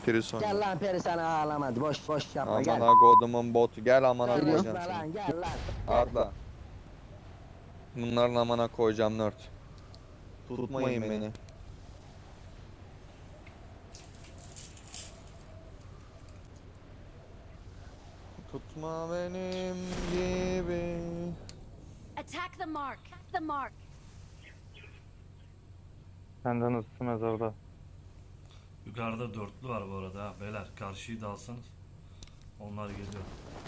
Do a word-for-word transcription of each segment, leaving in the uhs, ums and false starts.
Prison. Gel lan peri sana ağlamadı. Boş boş yapma gel. Amına kodumun botu. Gel amına Geliyorum koyacağım seni. lan gel lan. Arda. Bunların amına koyacağım nerd. Tutmayın beni. Tutma benim gibi. Attack the mark. The mark. Senden ısı mezarda. Yukarıda dörtlü var bu arada ha. Beyler karşıyı da alsanız. Onlar geliyor.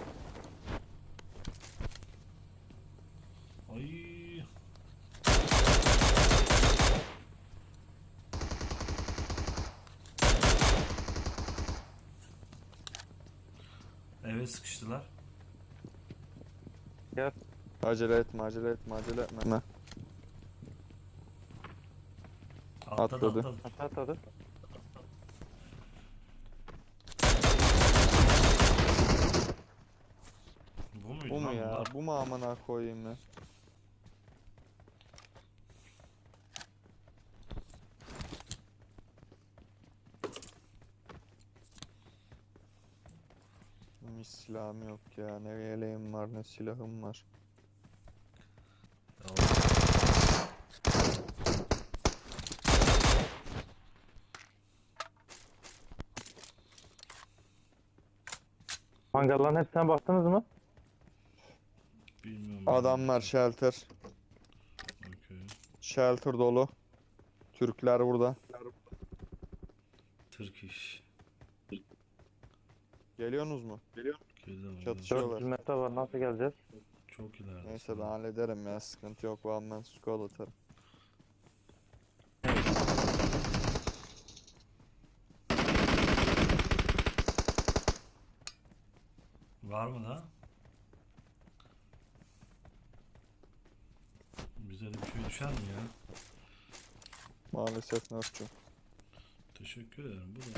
Ay. Eve sıkıştılar. Gel. Acele etme, acele etme, acele etme. Atladı Atladı. atladı. Aşağı atladı. Bu muydu Bu mu lan ya? bunlar? Bu mu amına koyayım ya? Hiç silahım yok ya. Ne yeleğim var, ne silahım var. Tamam. Hangarların hepsine baktınız mı? Bilmiyorum. Adamlar shelter. Okey. Shelter dolu. Türkler burada. Turkish. Geliyorsunuz mu? Geliyor. Çatışıyorlar. dört yüz metre var, nasıl geleceğiz? Çok ileride. Neyse ben hallederim ya. Sıkıntı yok. One man squad atarım. Var mı da? Bize de bir şey düşer mi ya? Maalesef nörtçü. Teşekkür ederim. Bu da.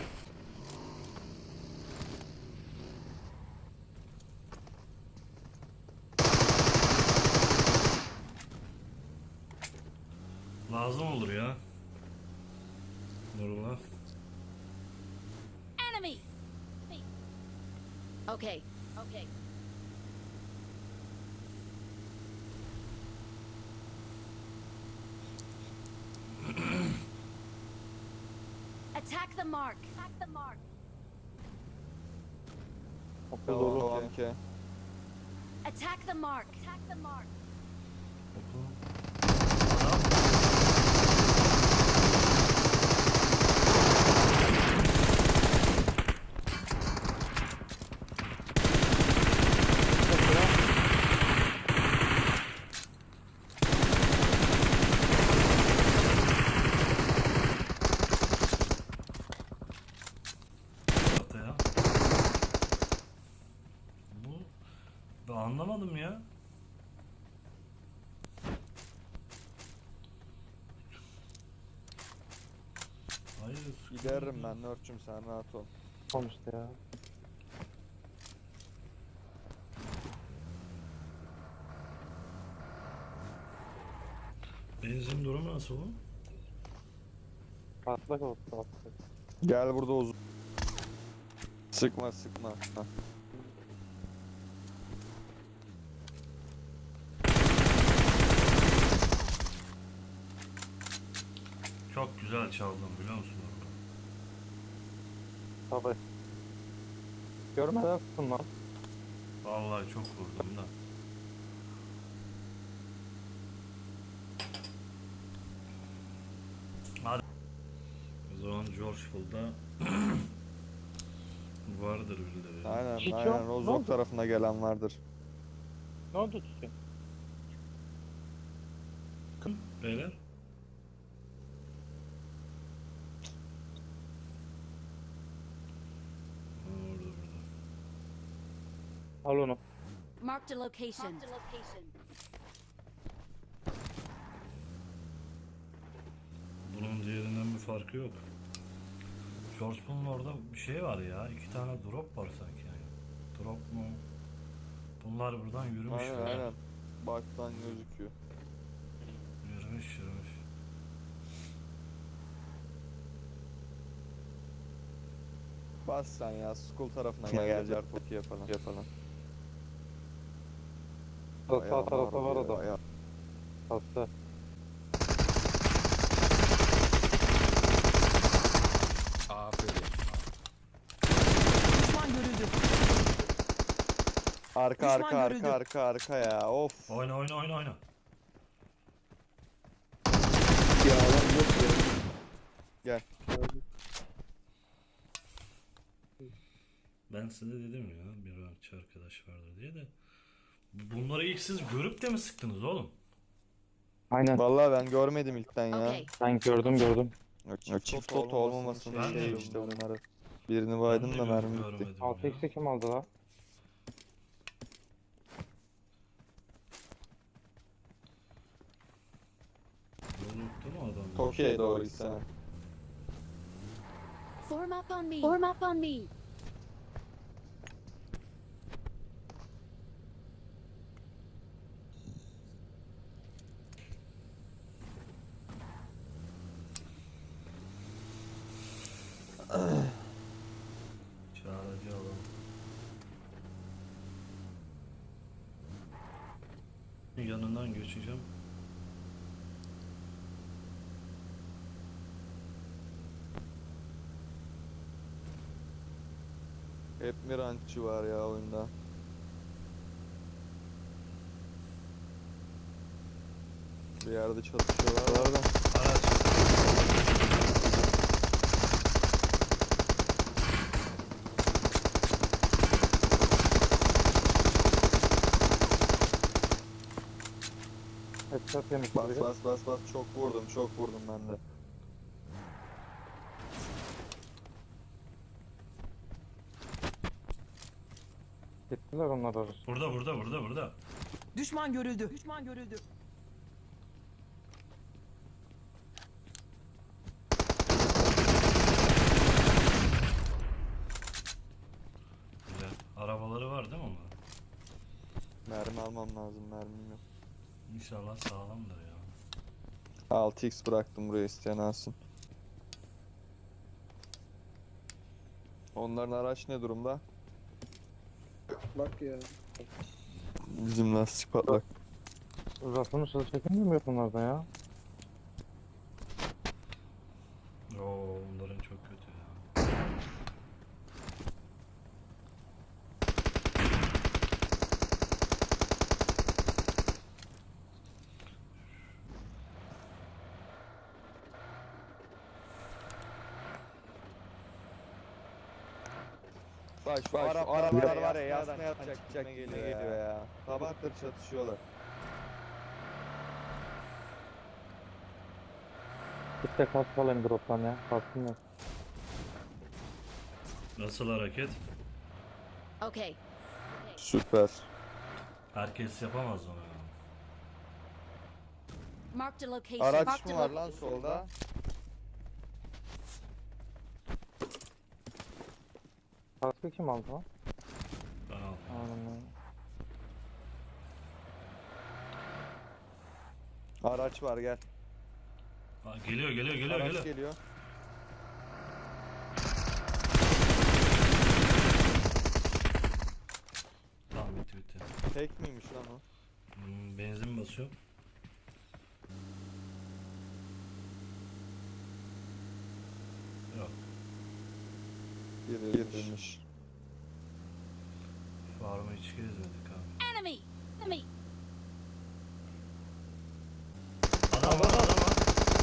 Lazım olur ya. Nurullah. Enemy. Okay. Okay. Attack the mark. Attack the mark. Okul Tamam, dolu. tamam ki. Attack the mark. Attack the mark. Oku. Adam. Tarafta ya. Bu ben anlamadım ya. Hayır. Giderim ben nörtçüm, sen rahat ol. Olmuştu ya. Benzin durumu nasıl bu? Patlak oldu, patlak. Gel burada uzun. Sıkma sıkma. Hah. Çok güzel çaldım biliyor musun orada? Tabii. Görmeden tutun lan. Vallahi çok vurdum da. Hadi. O zaman George Bull'da vardır birileri. Aynen Hiç yok. aynen. Ne Rozok oldu? tarafına gelen vardır. Ne oldu tutun? Beyler. Ha, orada burada. Al onu. Marked a location. Marked a location. Bunun diğerinden bir farkı yok. George Bull'un orada bir şey var ya. İki tane drop var sanki yani. Drop mu? Bunlar buradan yürümüş. Aynen böyle. aynen. Baktan gözüküyor. Yürümüş yürümüş. Bas sen ya, school tarafına gelecekler Tokyo'ya falan. Yapalım. Sağ, sağ tarafta var adam. Ayağı. Hasta. Düşman görüldü. Arka Düşman arka görüldü. arka arka arka ya, of. Oyna oyna oyna oyna. Ya lan yok ya. Gel. Ben size dedim ya bir rankçı arkadaş vardı diye de. Bunları ilk siz görüp de mi sıktınız oğlum? Aynen. Vallahi ben görmedim ilkten ya. Okay. Ben gördüm gördüm. Yok, çift, çift tot olmamasın Ben de şey yok. işte bunları. Birini Ben baydım de da gör- mermi bitti. görmedim altı ya. x'e kim aldı la? Unuttu mu adam? Tokyo'ya doğru gitsene. Form up on me. Form up on me. Çağrıcı adam. Yanından geçeceğim. Hep mi rankçı var ya oyunda? Bir yerde çatışıyorlar da. Araç. Headshot yemiş Bas biri. bas bas bas, çok vurdum çok vurdum ben de. Gittiler onlar arası. Burada burada burada burada. Düşman görüldü. Düşman görüldü. Güzel. Arabaları var değil mi onların? Mermi almam lazım, mermim yok. İnşallah sağlamdır ya. altı x bıraktım buraya, isteyen alsın. Onların araç ne durumda? Bak ya. Bizim lastik patlak. Uzatılmış hızlı çekilmiyor mu yok bunlardan ya? Oo onların çok kötü ya. Bak şu Arap arabalar var ya, yasna yapacak gitme geliyor ya. ya. Sabahtır çatışıyorlar. Bir de kask alayım drop'tan ya. Kaskım yok. Nasıl hareket? Okay. Süper. Herkes yapamaz onu ya. Marked a location. Araç Marked mı a var lo- lan solda? Kaskı kim aldı lan? Ben aldım. Aynen. Araç var, gel. Aa, geliyor geliyor geliyor Araç geliyor. geliyor. Tamam bitti bitti. Tek miymiş lan o? Hmm, benzin basıyor. Yok. Biriymiş. Farmı hiç gezmedik abi. Enemy. Enemy. Adam var adam var.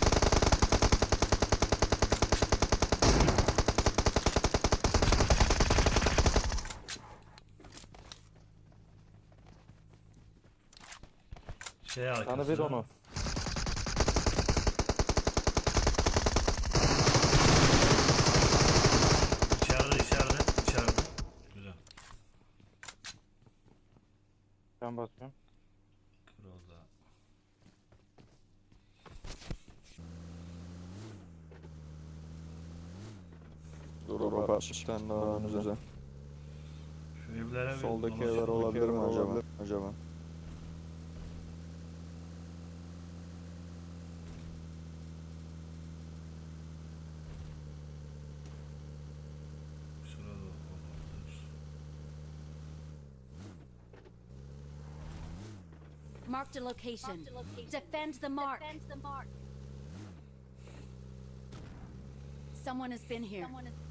Şey arkası. Canı bir onu. İçeride içeride içeride. Güzel. Ben basıyorum. Kırıldı. Dur bak, bir tane daha önümüze. Şu evlere bir Soldaki dolaşalım. evler olabilir mi acaba? Acaba. Şu Marked a location. Defend the mark. Someone has been here.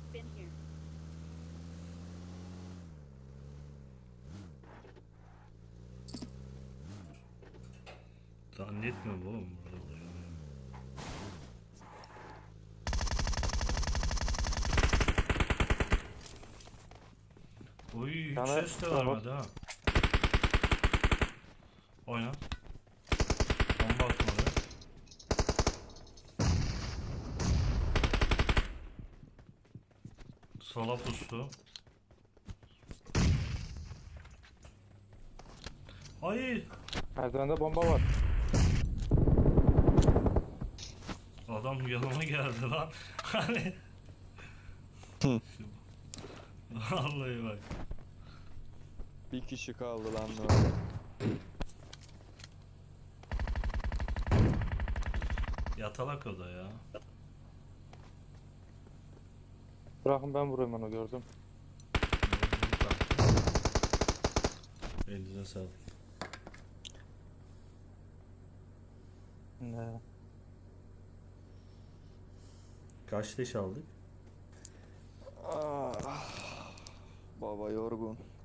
Zannetmiyorum oğlum burada olacağını. Oy hiç Sana- ses de vermedi ha. Oyna. Bomba atma oraya. Sola pustu. Ay! Merdivende bomba var. Adam yanıma geldi lan. Hani. Vallahi bak. Bir kişi kaldı lan orada. Yatalak o da ya. Bırakın ben vurayım onu, gördüm. Elinize sağlık. Ne? Kaç leş aldık? Ah, baba yorgun.